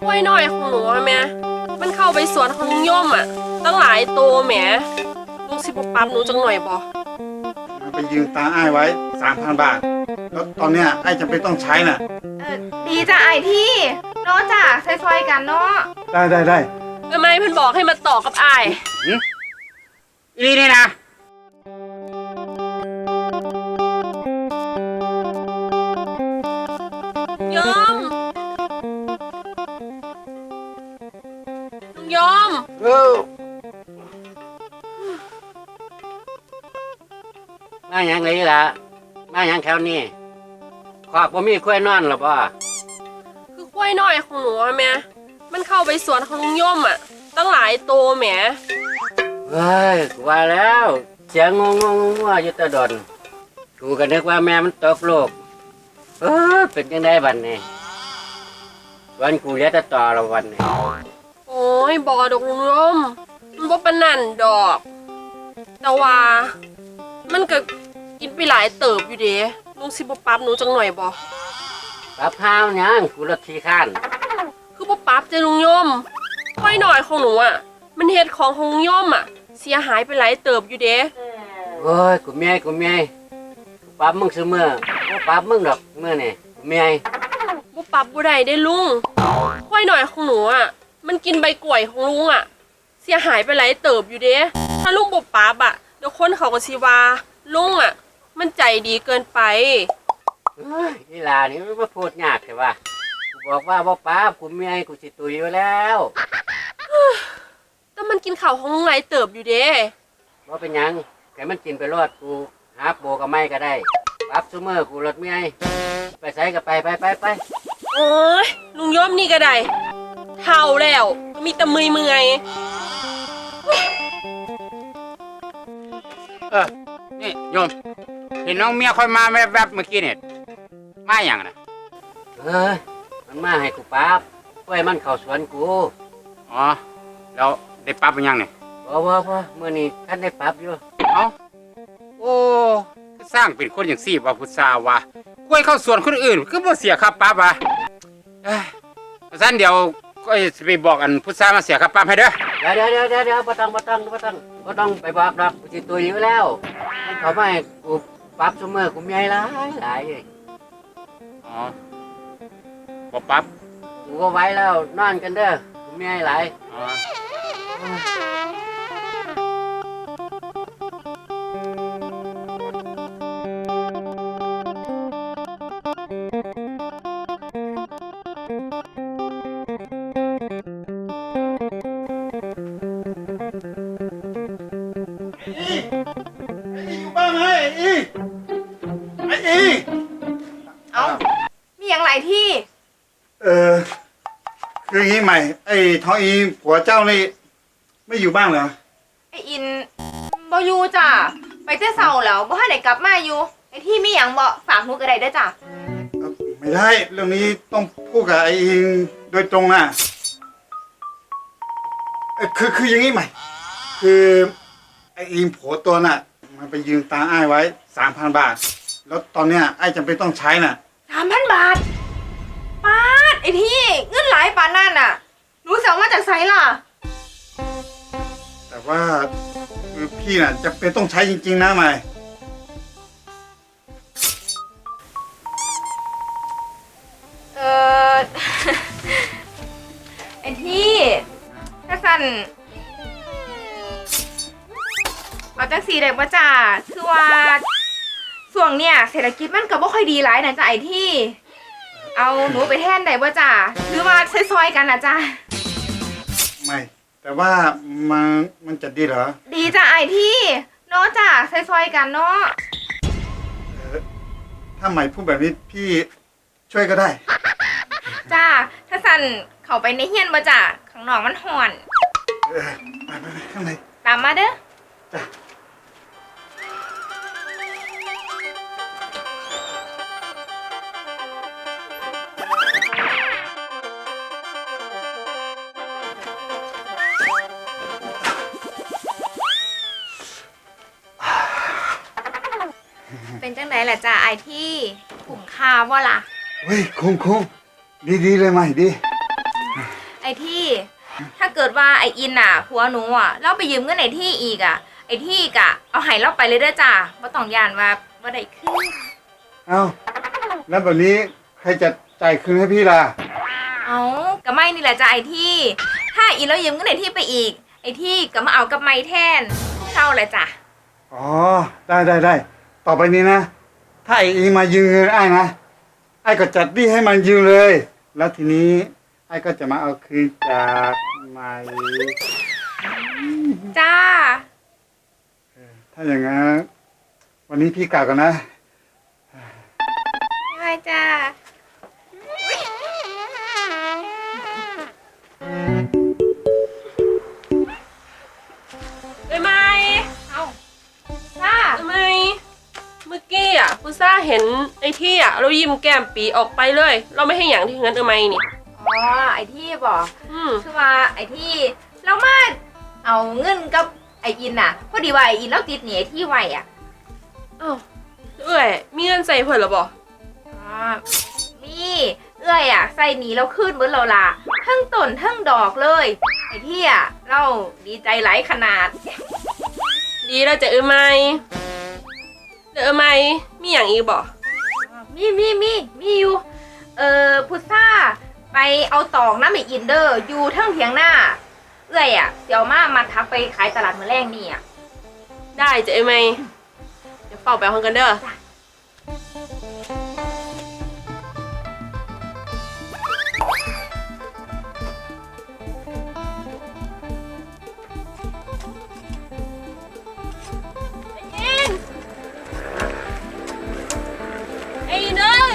กล้วยน้อยของหนูอะแม่มันเข้าไปสวนของลุงย่อมอ่ะตั้งหลายตัวแหมลุงสิบปรับหนูจังหน่อยบ่มันไปยืมตาอ้ายไว้3,000 บาทแล้วตอนเนี้ยอ้ายจำเป็นต้องใช้น่ะดีจ้ะไอที่เนาะจ้ะซอยๆกันเนาะได้ทำไมเพิ่นบอกให้มาต่อกับอ้ายอีนี่นะย่อมลุงย่อมมาอย่างไรล่ะมาอย่างแถวนี้ขอบบ่มีกล้วยนอนหรอป่ะคือกล้วยน้อยของหนูอะแม่มันเข้าไปสวนของลุงย่อมอ่ะตั้งหลายตัวแหมเฮ้ยกูว่าแล้วเสียงงงอยู่ตะดนกูก็นึกว่าแม่มันตกโลกเป็นยังไงบัดนี้วันกูเหลือแต่ต่อละวันนี้โอ้ยบ่ดอกลุงย่อมมันบ่ปานนั่นดอกแต่ว่ามันก็กินไปหลายเติบอยู่เด้ลุงสิบ่ปรับหนูจังหน่อยบ่ปรับข้าวยังกูรถขี้ข้านคือบ่ปรับใจลุงย่อมกล้วยน้อยของหนูอ่ะมันเฮ็ดของลุงย่อมอ่ะเสียหายไปหลายเติบอยู่เด้โอ้ยกูเมียกูปรับมึงซื้อเมื่อบ่ปรับมึงดอกเมื่อนี่กูเมียบ่ปรับบ่ได้เด้ลุงกล้วยน้อยของหนูอ่ะมันกินใบกล้วยของลุงอ่ะเสียหายไปหลายเติบอยู่เด้ถ้าลุงบ่ปรับอ่ะเดี๋ยวคนเขาก็สิว่าลุงอ่ะมันใจดีเกินไปนี่ล่ะนี่มันมาพูดยากใช่ป่ะกูบอกว่าบ่ปรับกูเมียกูสิตุยอยู่แล้วแต่มันกินข้าวของลุงหลายเติบอยู่เด้บ่เป็นหยังแค่มันกินไปรอดกูหาโบกับไม้ก็ได้ปรับซุมื้อกูรถเมียไปไสก็ไปโอ้ยลุงย่อมนี่ก็ได้เฒ่าแล้วมีแต่เมื่อยนี่โยมเห็นน้องเมียคอยมาแวบๆเมื่อกี้เนี่ยมาอย่างนะมันมาให้กูปราบไว้มันเข้าสวนกูอ๋อแล้วได้ปรับเป็นยังเนี่ยบ่มื้อนี้ท่านได้ปรับอยู่เอ้าโอ้สร้างเป็นคนอย่างสี่ว่าพุทธาวะกล้วยเข้าสวนคนอื่นคือบ่เสียค่าปรับวะสั้นเดี๋ยวก็จะไปบอกอันพุทธามาเสียค่าปรับให้เด้อเดี๋ยวบ่ต้องไปบอกดอกกูสิตุยอยู่แล้วมันเขามาให้กูปรับซุมื้อกูมีหลายอ๋อบ่ปรับกูก็ไว้แล้วนอนกันเด้อกูมีหลายอ๋ออยู่บ้านไหมไอ้อีเอ้ามีอย่างไรที่คืออย่างงี้ใหม่ไอ้ทองอีผัวเจ้านี่ไม่อยู่บ้างเหรอไออินบ่อยู่จ้ะไปแต่เช้าแล้วบ่ทันได้กลับมาอยู่ไอที่มีหยังบ่ฝากหนูก็ได้เด้อจ้ะไม่ได้เรื่องนี้ต้องพูดกับไอ้อิงโดยตรงนะคืออย่างงี้ใหม่คือไอ้อิงผัวตัวน่ะมันไปยืมตาอ้ายไว้3,000 บาทแล้วตอนเนี้ยอ้ายจำเป็นต้องใช้น่ะ 3,000 บาทปาดไอที่เงินหลายปานนั่นน่ะหนูสิเอามาจากไสล่ะแต่ว่าคือพี่น่ะจำเป็นต้องใช้จริงๆนะใหม่ไอที่ถ้าสั่นเอาจังสีได้บ่จ้าคือว่าช่วงเนี้ยเศรษฐกิจมันก็บ่ค่อยดีหลายนะจ้าไอที่เอาหนูไปแทนได้บ่จ้าหรือว่าซอยๆกันนะจ้าไม่แต่ว่ามันจะดีเหรอดีจ้าไอที่เนาะจ้าซอยๆกันเนาะถ้าใหม่พูดแบบนี้พี่ช่วยก็ได้จ้าถ้าสั่นเข้าไปในเฮียนบ่จ้าข้างนอกมันร้อนไปข้างในตามมาเด้อจ้าเป็นจังไดล่ะจ้าไอที่คุ้มค่าบ่ล่ะเฮ้ยคุ้มดีเลยใหม่ดีไอ้ที่ ถ้าเกิดว่าไอ้อินอ่ะผัวหนูอ่ะเราไปยืมเงินไอ้ที่อีกอ่ะ ไอ้ที่กะเอาให้เราไปเลยเด้อจ้าบ่ต้องย่านว่าบ่ได้คืนเอ้าแล้วแบบนี้ใครจะจ่ายคืนให้พี่ล่ะเอาก็ไม่นี่แหละจ้าไอ้ที่ ถ้าอินเรายืมเงินไอ้ที่ไปอีก ไอ้ที่ก็มาเอากับไม่แทนเท่าแหละจ้ะอ๋อได้ต่อไปนี้นะถ้าไอ้อิงมายืมเงินไอ้นะไอ้ก็จัดดีให้มันยืมเลย แล้วทีนี้ไอ้ก็จะมาเอาคืนจากไม้จ้าถ้าอย่างนั้นวันนี้พี่กลับกันนะได้จ้าได้ไหมเอาจ้าได้ไหมเมื่อกี้อ่ะพุซ่าเห็นไอ้ที่อ่ะเรายิ้มแก้มปีออกไปเลย เราไม่ให้อย่างที่งั้นได้ไหมนี่อ๋อไอ้ที่บอกอืมคือว่าไอ้ที่เรามาเอาเงินกับไอ้อินน่ะ พอดีว่าไอ้อินเราติดหนี้ไอ้ที่ไว้อ่ะอ้าวเอ้ยมีเงินใส่เพิ่นหรอบ่อ๋อมีเอ้ยอ่ะใส่หนีเราขึ้นเบิดเราละทั้งต้นทั้งดอกเลย ไอ้ที่อ่ะเราดีใจหลายขนาดดีแล้วจะไหมเด้อไหมมีอย่างอีกบ่มีอยู่พุทธาไปเอาตอกน้ำไอ้อินเดอร์อยู่ทั้งเถียงหน้า เอ้ยอ่ะเดี๋ยวมาทักไปขายตลาดมื้อแรงนี่อ่ะได้จะไหมเดี๋ยวเฝ้าไปห้องกันเด้อ ไอ้เนย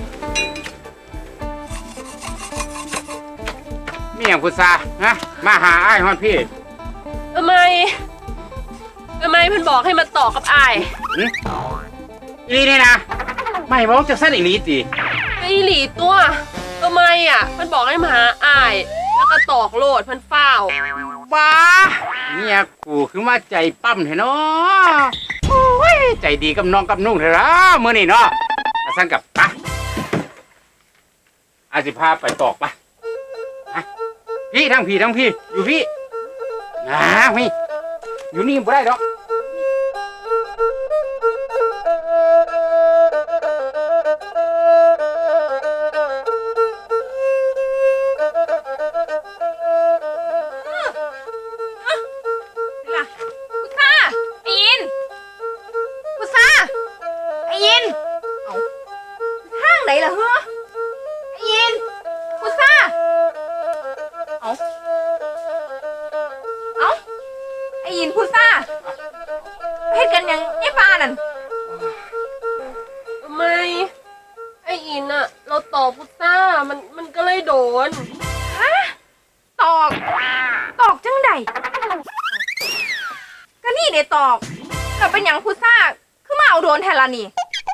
มีอย่างพุทธาฮะมาหาอ้ายฮอดพี่ทำไมเพิ่นบอกให้มาต่อกับอ้ายหึอีนี่นี่นะไม่บอกจะสั้นอีหลีติไอ้หลีตัวทำไมอ่ะเพิ่นบอกให้มาหาอ้าย แล้วก็ตอกโลดเพิ่นเฝ้าวว้าเนี่ยกูคือมาใจปั้มเถอะเนาะโอ้ยใจดีกับน้องกับนุ่งเถอะละมื้อนี้เนาะอาสั้นกับปะอาสิพาไปตอกปะฮะพี่ทั้งพี่อยู่พี่นะพี่อยู่นี่บ่ได้ดอกล่ะพุทธาไอ้อินพุทธาไอ้อินเอาห้างไหนล่ะเฮ้อไอ้อินพุทธาเอาไอ้อินพุทธาเฮ็ดกันหยังไอ้ปานั่นทำไมไอ้อินอ่ะ เราตอกพุทซ่ามันก็เลยโดนตอกจังใดก็นี่เด้ตอกแต่เป็นหยังพุทธาคือมาเอาโดนแทนละนี่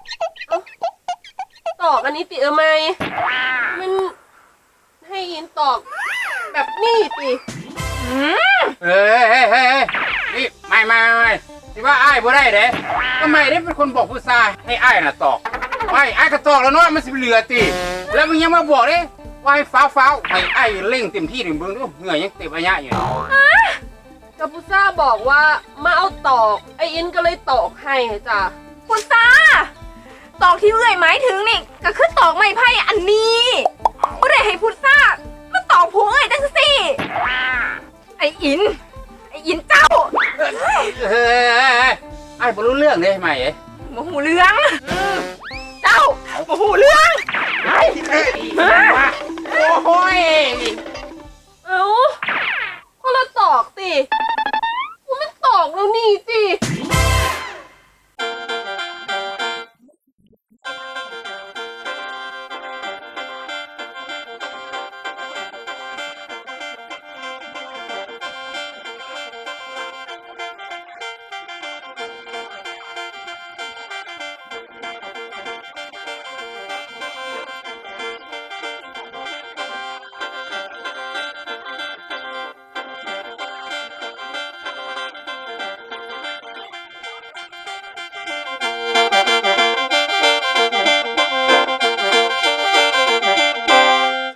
ตอกอันนี้ติไหมมันให้อินตอกแบบนี้ติเฮ้ยนี่ไม่ที่ว่าอ้ายบ่ได้เด้ก็ไม่ได้เป็นคนบอกผู้ชายให้อ้ายน่ะตอกไม่อ้ายก็ตอกแล้วเนาะมันสิเหลือติแล้วมึงยังมาบอกเด้ว่าให้ฟ้าวให้อ้ายเร่งเต็มที่ถึงเบิ่งดูเหงื่อยังเต็มอะยะอยู่กับพุทซ่าบอกว่ามาเอาตอกไอ้อินก็เลยตอกให้จ้ะพุทธาตอกที่เอื้อยหมายถึงนี่ก็คือตอกไม้ไผ่อันนี้บ่ได้ให้พุทธามาตอกผัวเอ้ยจังสิไอ้อินเจ้าเฮ้ยอ้ายบ่รู้เรื่องเด้ไหมเอ้ยบ่หูเรื่องเจ้าบ่หูเรื่องเอ้ย